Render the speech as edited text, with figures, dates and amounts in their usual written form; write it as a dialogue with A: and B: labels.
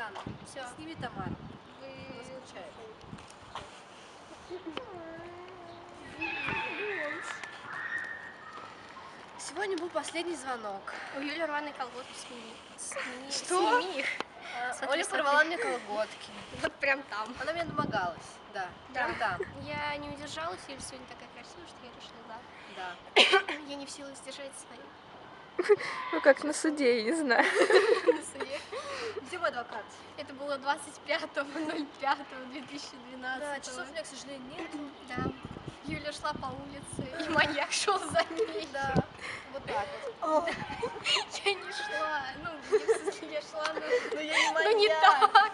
A: встану.
B: Все.
A: Сними Тамару.
B: Вы...
A: Она скучает. Сегодня был последний звонок.
B: У Юли рваные колготки, сними.
A: Что?
B: Сними их. Смотри,
A: Оля
B: смотри.
A: порвала мне колготки.
B: Вот прям там.
A: Она мне домогалась. Да,
B: Да.
A: прям там.
B: Я не удержалась, Юля сегодня такая красивая, что я решила, да.
A: Да.
B: Я не в силах сдержать свою.
C: Ну как на суде, я не знаю.
B: На суде.
A: Где мой адвокат?
B: Это было 25.05.2012.
A: Да, часов у меня, к сожалению, нет.
B: Да. Юля шла по улице, и маньяк шел за ней.
A: Да. Вот так вот.
B: Я не шла. Ну, в смысле, я шла,
A: Но я не
B: но не
A: маньяк.
B: так.